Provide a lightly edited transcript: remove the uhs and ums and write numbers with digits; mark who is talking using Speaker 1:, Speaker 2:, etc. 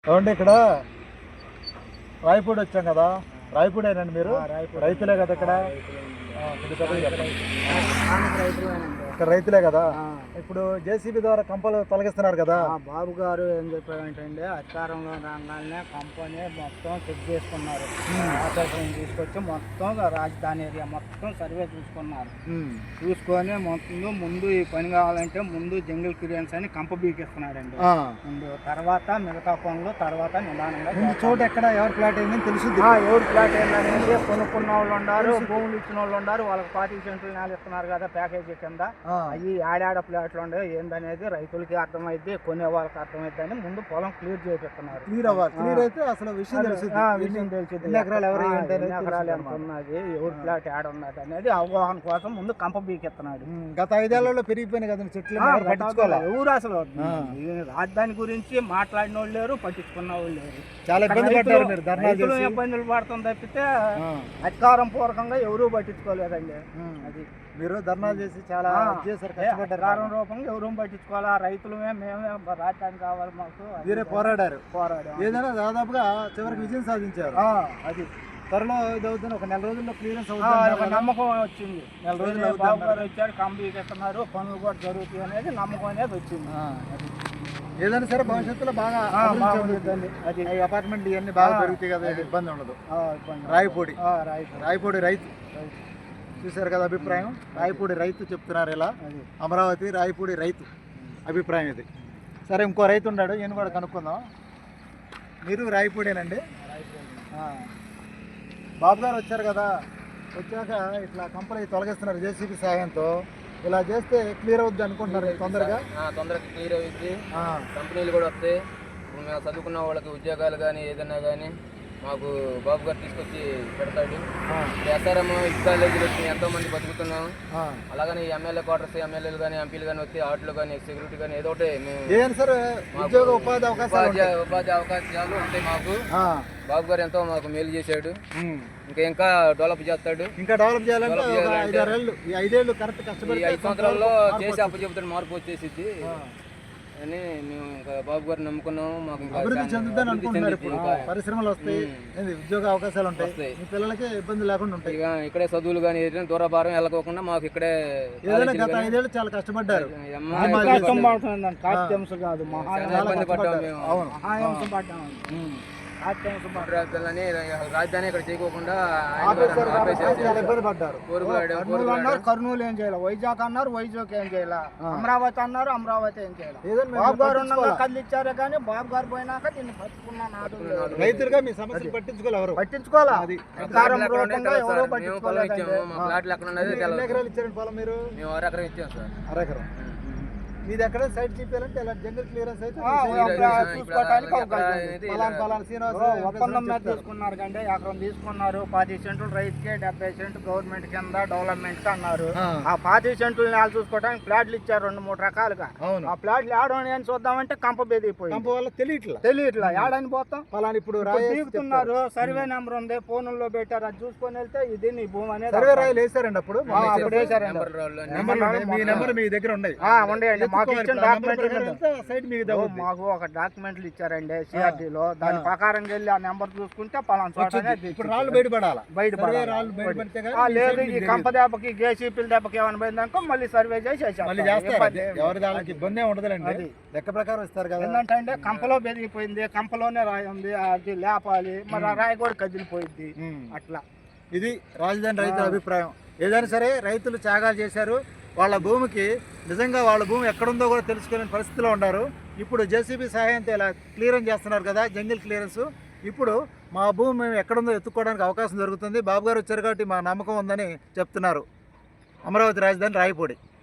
Speaker 1: ఏమండి ఇక్కడ రాయపూడి వచ్చాం కదా, రాయపూడేనండి మీరు? రైతులే కదా ఇక్కడ? ఇక్కడ రైతులే కదా. ఇప్పుడు జేసీబీ ద్వారా కంపలు తొలగిస్తున్నారు కదా.
Speaker 2: బాబు గారు ఏం చెప్పారంటే అధికారంలో రాగానే కంపెనీ మొత్తం చెక్ చేసుకున్నారు. ఆఫీసర్ని తీసుకొచ్చి మొత్తం రాజధాని ఏరియా మొత్తం సర్వే చూసుకున్నారు. చూసుకొని ముందు ఈ పని కావాలంటే ముందు జంగిల్ క్లియరెన్స్ అని కంప బీకిస్తున్నాడండి. ముందు తర్వాత మిగతా పనులు తర్వాత నిదానంగా
Speaker 1: చోట ఎక్కడ ఎవరి ప్లాట్ అయిందని తెలుసు.
Speaker 2: ఎవరి ప్లాట్ ఏంటనేది కొనుక్కున్న వాళ్ళు ఉన్నారు, భూములు ఇచ్చిన వాళ్ళు ఉన్నారు. వాళ్ళకి 40 సెంట్లు నేల ఇస్తున్నారు కదా ప్యాకేజీ కింద. అవి ఆడాడ ప్లాట్లు ఉండే ఏందనేది రైతులకి అర్థమైంది, కొనే వాళ్ళకి అర్థమైంది అని ముందు పొలం క్లియర్ చేపిస్తున్నారు.
Speaker 1: క్లియర్ అయితే అసలు విషయం తెలిసింది.
Speaker 2: ఎన్ని ఎకరాలు ఎంత ఉన్నది, ఎవరి ప్లాట్ ఆడ ఉన్నది అనేది అవగాహన కోసం ముందు కంప బీకెత్తున్నాడు.
Speaker 1: గత 5 ఏళ్లలో పెరిగిపోయినాయి కదా చెట్లు,
Speaker 2: ఎవరు అసలు రాజధాని గురించి మాట్లాడిన వాళ్ళు లేరు, పట్టించుకున్న వాళ్ళు లేరు.
Speaker 1: చాలా
Speaker 2: ఇబ్బందులు పడుతుంది తప్పితే అధికారం పూర్వకంగా ఎవరూ పట్టించుకోలేదండి. అది
Speaker 1: మీరు ధర్నాలు చేసి చాలా
Speaker 2: అధికారం రూపంగా ఎవరూ పట్టించుకోవాలా, రైతులమే మేమే రాజధాని కావాలి మాకు
Speaker 1: మీరే పోరాడారు. ఏదైనా దాదాపుగా చివరికి విజయం సాధించారు.
Speaker 2: అది
Speaker 1: త్వరలో ఇది అవుతుంది, ఒక నెల రోజుల్లో క్లియరెన్స్
Speaker 2: అవుతుంది నమ్మకం వచ్చింది. నెల రోజులు బాబు గారు వచ్చారు, కంపెనీకి ఇస్తున్నారు, పనులు కూడా జరుగుతాయి అనేది నమ్మకం అనేది వచ్చింది.
Speaker 1: ఏదైనా సరే భవిష్యత్తులో బాగా అది అపార్ట్మెంట్ ఇవన్నీ బాగా పెరుగుతాయి కదా, ఇబ్బంది ఉండదు. రాయపూడి రైతు చూశారు కదా అభిప్రాయం. రాయపూడి రైతు చెప్తున్నారు ఇలా, అమరావతి రాయపూడి రైతు అభిప్రాయం ఇది. సరే ఇంకో రైతు ఉన్నాడు, ఈయన కూడా కనుక్కుందాం. మీరు రాయపూడేనండి? బాబు గారు వచ్చారు కదా, వచ్చాక ఇట్లా కంపెనీ తొలగిస్తున్నారు జేసీబీ సహాయంతో. ఇలా చేస్తే క్లియర్ అవుద్ది అనుకుంటున్నారు తొందరగా
Speaker 3: క్లియర్ అవుద్ది. కంపెనీలు కూడా వస్తాయి. మేము చదువుకున్న వాళ్ళకి ఉద్యోగాలు కానీ ఏదైనా కానీ మాకు బాబు గారు తీసుకొచ్చి పెడతాడు. ఎస్ఆర్ఎం కాలేజీలు వచ్చి ఎంతో మంది బతుకుతున్నాం. అలాగని ఎమ్మెల్యే క్వార్టర్స్, ఎమ్మెల్యేలు కానీ ఎంపీలు కానీ వస్తే ఆటలు కానీ సెక్యూరిటీ కానీ ఏదో ఒకటి
Speaker 1: ఉపాధి
Speaker 3: అవకాశాలు ఉంటాయి మాకు. బాబు గారు ఎంతో మాకు మేలు చేశాడు, ఇంకా డెవలప్ చేస్తాడు.
Speaker 1: ఇంకా డెవలప్ చేయాలంటే 5 ఏళ్ళు కరెక్ట్ కష్టపడి
Speaker 3: 5 సంవత్సరాల్లో చేసి అప్పు చెబుతాడు, మార్పు వచ్చేసిద్ది అని మేము ఇంకా బాబు గారు నమ్ముకున్నాము. మాకు
Speaker 1: అభివృద్ధి చెందుతాను అనుకుంటున్నారు. పరిశ్రమలు వస్తాయి, ఉద్యోగ అవకాశాలు ఉంటాయి, మీ పిల్లలకి ఇబ్బంది లేకుండా ఉంటాయి.
Speaker 3: ఇక్కడే చదువులు కానీ దూరభారం వెళ్ళకోకుండా మాకు ఇక్కడే.
Speaker 1: గత 5 ఏళ్ళు చాలా కష్టపడ్డారు.
Speaker 3: ఇబ్బంది పడ్డాము మేము. రాజధాని ఇక్కడ చేయకోకుండా
Speaker 2: కర్నూలు ఏం చేయాలి, వైజాగ్ అన్నారు, వైజాగ్ ఏం చేయాలి, అమరావతి అన్నారు, అమరావతి ఏం చేయాలి. బాబు గారు ఉండగా కళ్ళు ఇచ్చారే కానీ బాబు గారు పోయినాక దీన్ని పట్టుకున్నాడు.
Speaker 1: రైతులుగా మీ సమస్యలు
Speaker 2: పట్టించుకోవాలా అధికారం రూపంగా ఎవరో పట్టించుకోలేదు.
Speaker 1: ఎకరాలు ఇచ్చారండి పొలం మీరు?
Speaker 3: మేము 1 ఎకరం ఇచ్చాం సార్.
Speaker 1: 1 ఎకరం మీది ఎక్కడ సైట్ చూపించాలంటే ఇలా జంగల్ క్లియరెన్స్ అయితే
Speaker 2: చూసుకోవడానికి ఒప్పందం మీద తీసుకున్నారు కంటే ఎకరం తీసుకున్నారు. 10 సెంట్లు రైతుకే, 70 సెంట్లు గవర్నమెంట్ కింద డెవలప్మెంట్ అన్నారు. ఆ 10 సెంట్లు నేల చూసుకోవడానికి ప్లాట్లు ఇచ్చారు 2-3 రకాలుగా. ఆ ప్లాట్లు ఏడని అని చూద్దామంటే కంప బెదిగిపోయింది. తెలియట్లా ఏడని పోతాం.
Speaker 1: పలానా ఇప్పుడు
Speaker 2: తీరుతున్నారు, సర్వే నెంబర్ ఉంది, ఫోన్లో పెట్టారు, అది చూసుకొని వెళ్తే ఇది నీ భూమి అనేది.
Speaker 1: సర్వే రాయలు వేసారండి అప్పుడు
Speaker 2: వేసారండి.
Speaker 1: మీ దగ్గర ఉన్నాయి
Speaker 2: మాకు ఒక డాక్యుమెంట్లు ఇచ్చారండి సిఆర్డీలో. దాని ప్రకారం వెళ్ళి ఆ నెంబర్ చూసుకుంటే లేదు ఈ కంప దెబ్బకి జేసీపీల దెబ్బకి ఏమైనా పోయిందనుకో మళ్ళీ సర్వే చేసి
Speaker 1: ఇబ్బంది ఉండదులేండి. లెక్క ప్రకారం ఇస్తారు కదా.
Speaker 2: ఏంటంటే కంపలో బెదిగిపోయింది, కంపలోనే రాయి ఉంది, అది లేపాలి, మరి ఆ రాయి కూడా కదిలిపోయింది. అట్లా
Speaker 1: ఇది రాజధాని రైతుల అభిప్రాయం. ఏదైనా సరే రైతులు త్యాగాలు చేశారు. వాళ్ళ భూమికి నిజంగా వాళ్ళ భూమి ఎక్కడుందో కూడా తెలుసుకునే పరిస్థితిలో ఉన్నారు. ఇప్పుడు జేసీబీ సహాయంతో ఇలా క్లియరెన్స్ చేస్తున్నారు కదా, జంగిల్ క్లియరెన్స్. ఇప్పుడు మా భూమి మేము ఎక్కడుందో ఎత్తుక్కోవడానికి అవకాశం దొరుకుతుంది. బాబు గారు వచ్చారు కాబట్టి మా నమ్మకం ఉందని చెప్తున్నారు. అమరావతి రాజధాని రాయపూడి.